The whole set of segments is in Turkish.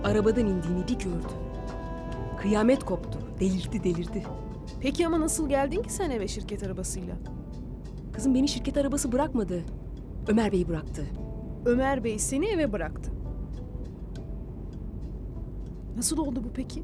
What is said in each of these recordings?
Arabadan indiğini bir gördü. Kıyamet koptu. Delirdi. Peki ama nasıl geldin ki sen eve şirket arabasıyla? Kızım beni şirket arabası bırakmadı. Ömer Bey bıraktı. Ömer Bey seni eve bıraktı. Nasıl oldu bu peki?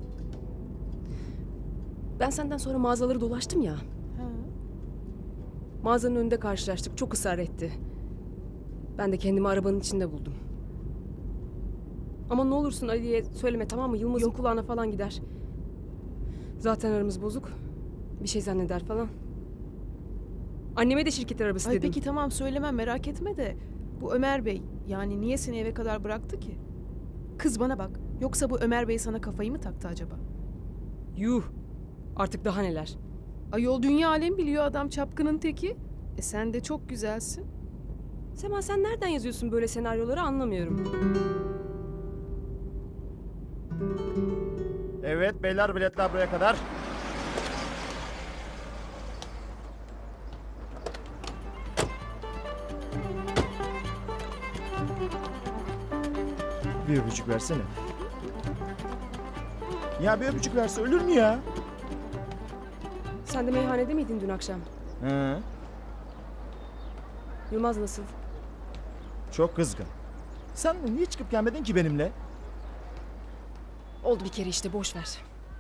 Ben senden sonra mağazaları dolaştım ya. Ha. Mağazanın önünde karşılaştık. Çok ısrar etti. Ben de kendimi arabanın içinde buldum. Ama ne olursun Ali'ye söyleme, tamam mı? Yılmaz'ın Yok. kulağına falan gider. Zaten aramız bozuk. Bir şey zanneder falan. Anneme de şirket arabası Ay dedim. peki tamam söylemem merak etme de bu Ömer Bey yani niye seni eve kadar bıraktı ki? Kız bana bak. Yoksa bu Ömer Bey sana kafayı mı taktı acaba? Yuh! Artık daha neler? Ayol dünya alem biliyor adam çapkının teki. Sen de çok güzelsin. Sema sen nereden yazıyorsun böyle senaryoları anlamıyorum. Evet beyler, biletler buraya kadar. Bir öpücük versene. Ya bir öpücük verse ölür mü ya? Sen de meyhanede miydin dün akşam? Hı. Yılmaz nasıl? Çok kızgın. Sen niye çıkıp gelmedin ki benimle? Oldu bir kere işte, boş ver.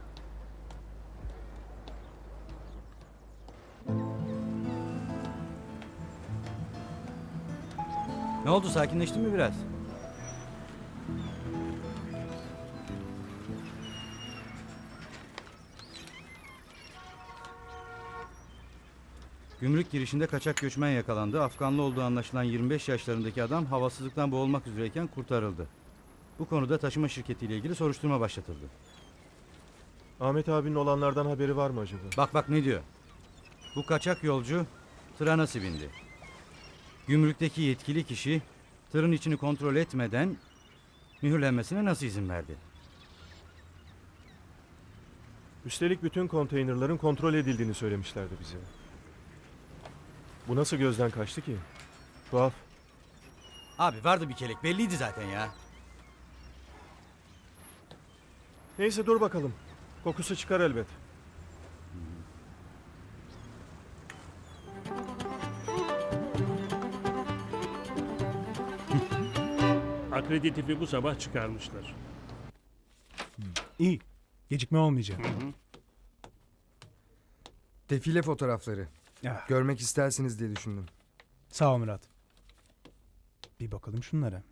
Ne oldu, sakinleştin mi biraz? Gümrük girişinde kaçak göçmen yakalandı. Afganlı olduğu anlaşılan 25 yaşlarındaki adam havasızlıktan boğulmak üzereyken kurtarıldı. Bu konuda taşıma şirketiyle ilgili soruşturma başlatıldı. Ahmet abinin olanlardan haberi var mı acaba? Bak ne diyor. Bu kaçak yolcu tıra nasıl bindi? Gümrükteki yetkili kişi tırın içini kontrol etmeden mühürlenmesine nasıl izin verdi? Üstelik bütün konteynerların kontrol edildiğini söylemişlerdi bize. Bu nasıl gözden kaçtı ki? Tuhaf. Abi vardı bir kelek, belliydi zaten ya. Neyse dur bakalım. Kokusu çıkar elbet. Akreditifi bu sabah çıkarmışlar. İyi. Gecikme olmayacak. Defile fotoğrafları. Ya, Görmek istersiniz diye düşündüm. sağ ol Murat. Bir bakalım şunlara.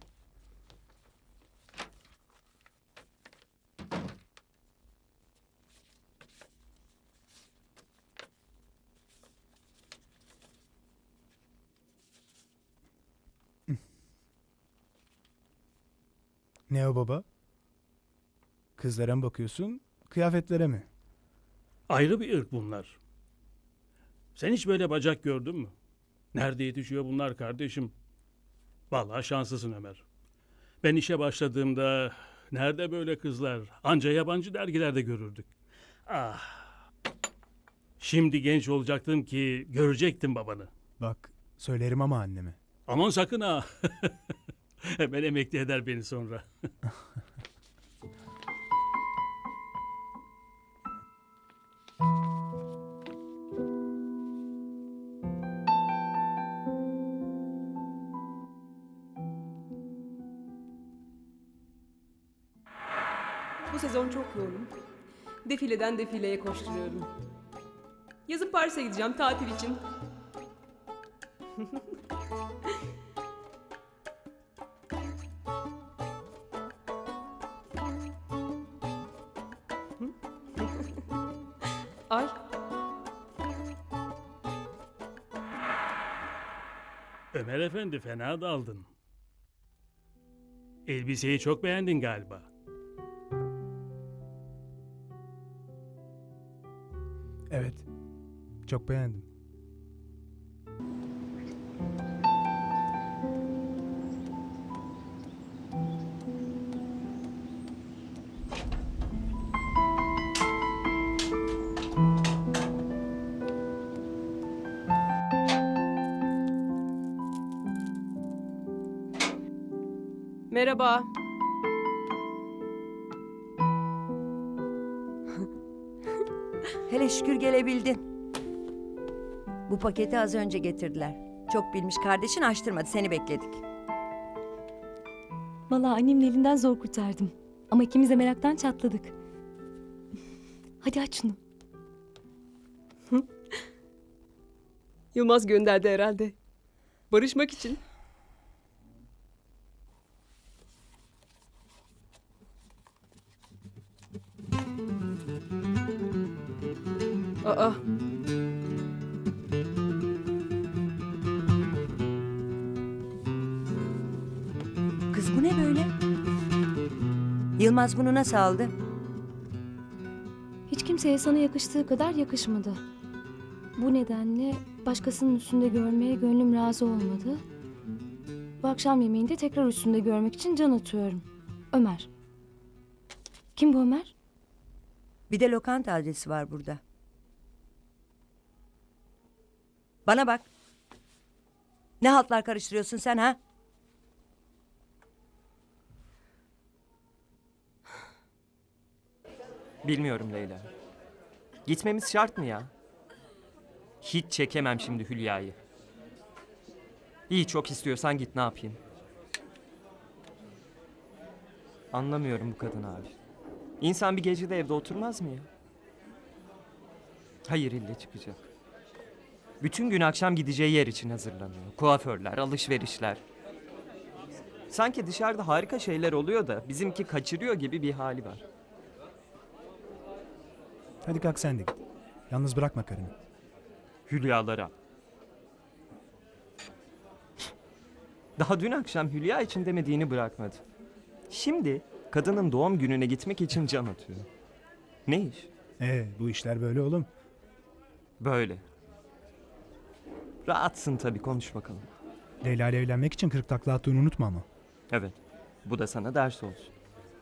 Ne o baba? Kızlara mı bakıyorsun, kıyafetlere mi? Ayrı bir ırk bunlar. Sen hiç böyle bacak gördün mü? Nerede yetişiyor bunlar kardeşim? Vallahi şanslısın Ömer. Ben işe başladığımda nerede böyle kızlar? Anca yabancı dergilerde görürdük. Ah. Şimdi genç olacaktım ki görecektim babanı. Bak, söylerim ama anneme. Aman sakın ha. Hemen emekli eder beni sonra. Bu sezon çok yoğunum. Defileden defileye koşturuyorum. Yazın Paris'e gideceğim tatil için. Ay. Ömer Efendi fena daldın. Elbiseyi çok beğendin galiba. Evet, çok beğendim. Merhaba. Hele şükür gelebildin. Bu paketi az önce getirdiler. Çok bilmiş kardeşin açtırmadı, seni bekledik. Vallahi annemin elinden zor kurtardım. Ama ikimiz de meraktan çatladık. Hadi aç şunu. Yılmaz gönderdi herhalde. Barışmak için. Aa. Kız bu ne böyle? Yılmaz bunu nasıl aldı? Hiç kimseye sana yakıştığı kadar yakışmadı. Bu nedenle başkasının üstünde görmeye gönlüm razı olmadı. Bu akşam yemeğinde tekrar üstünde görmek için can atıyorum. Ömer. Kim bu Ömer? Bir de lokanta adresi var burada. Bana bak. Ne haltlar karıştırıyorsun sen ha? Bilmiyorum Leyla. Gitmemiz şart mı ya? Hiç çekemem şimdi Hülya'yı. İyi, çok istiyorsan git, ne yapayım? Anlamıyorum bu kadını abi. İnsan bir gece de evde oturmaz mı ya? Hayır, ille çıkacak. Bütün gün akşam gideceği yer için hazırlanıyor. Kuaförler, alışverişler. Sanki dışarıda harika şeyler oluyor da bizimki kaçırıyor gibi bir hali var. Hadi kalk sen de git. Yalnız bırakma karını. Hülyalara. Daha dün akşam Hülya için demediğini bırakmadı. Şimdi kadının doğum gününe gitmek için can atıyor. Ne iş? Bu işler böyle oğlum. Böyle. Rahatsın tabii, konuş bakalım. Leyla ile evlenmek için 40 takla attığını unutma ama. Evet. Bu da sana ders olsun.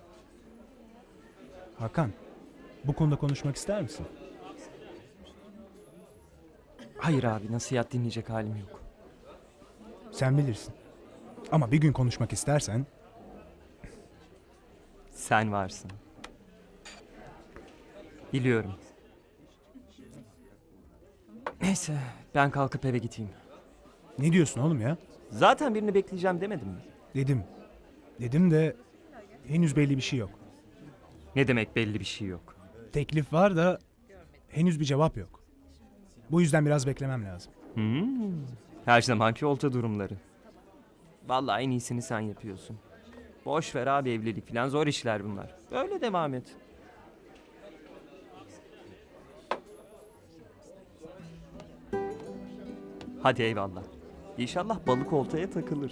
Hakan, bu konuda konuşmak ister misin? Hayır abi, nasihat dinleyecek halim yok. Sen bilirsin. Ama bir gün konuşmak istersen... Sen varsın. Biliyorum. Neyse, ben kalkıp eve gideyim. Ne diyorsun oğlum ya? Zaten birini bekleyeceğim demedim mi? Dedim. Dedim de henüz belli bir şey yok. Ne demek belli bir şey yok? Teklif var da henüz bir cevap yok. Bu yüzden biraz beklemem lazım. Her zamanki olta durumları. Vallahi en iyisini sen yapıyorsun. Boş ver abi, evlilik falan zor işler bunlar. Böyle devam et. Hadi eyvallah. İnşallah balık oltaya takılır.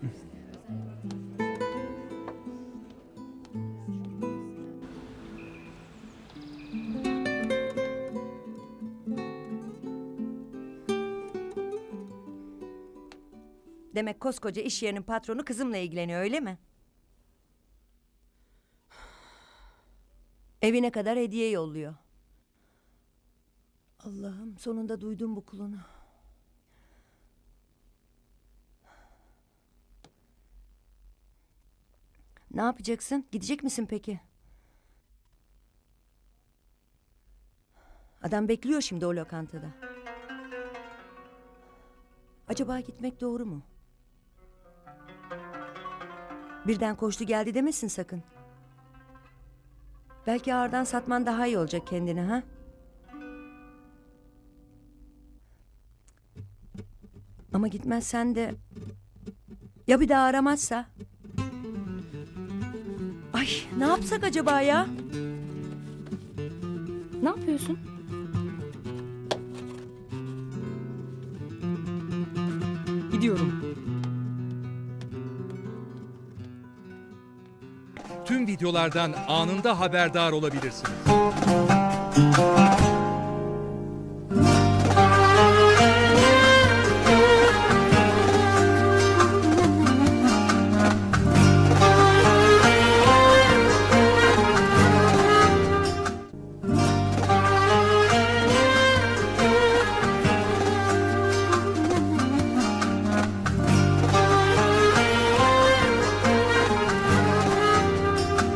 Demek koskoca iş yerinin patronu kızımla ilgileniyor, öyle mi? Evine kadar hediye yolluyor. Allah'ım, sonunda duydum bu kulunu. Ne yapacaksın? Gidecek misin peki? Adam bekliyor şimdi o lokantada. Acaba gitmek doğru mu? Birden koştu geldi demesin sakın. Belki ağırdan satman daha iyi olacak kendine, ha? Ama gitmezsen de... Ya bir daha aramazsa? Ay, ne yapsak acaba ya? Ne yapıyorsun? Gidiyorum. Tüm videolardan anında haberdar olabilirsiniz.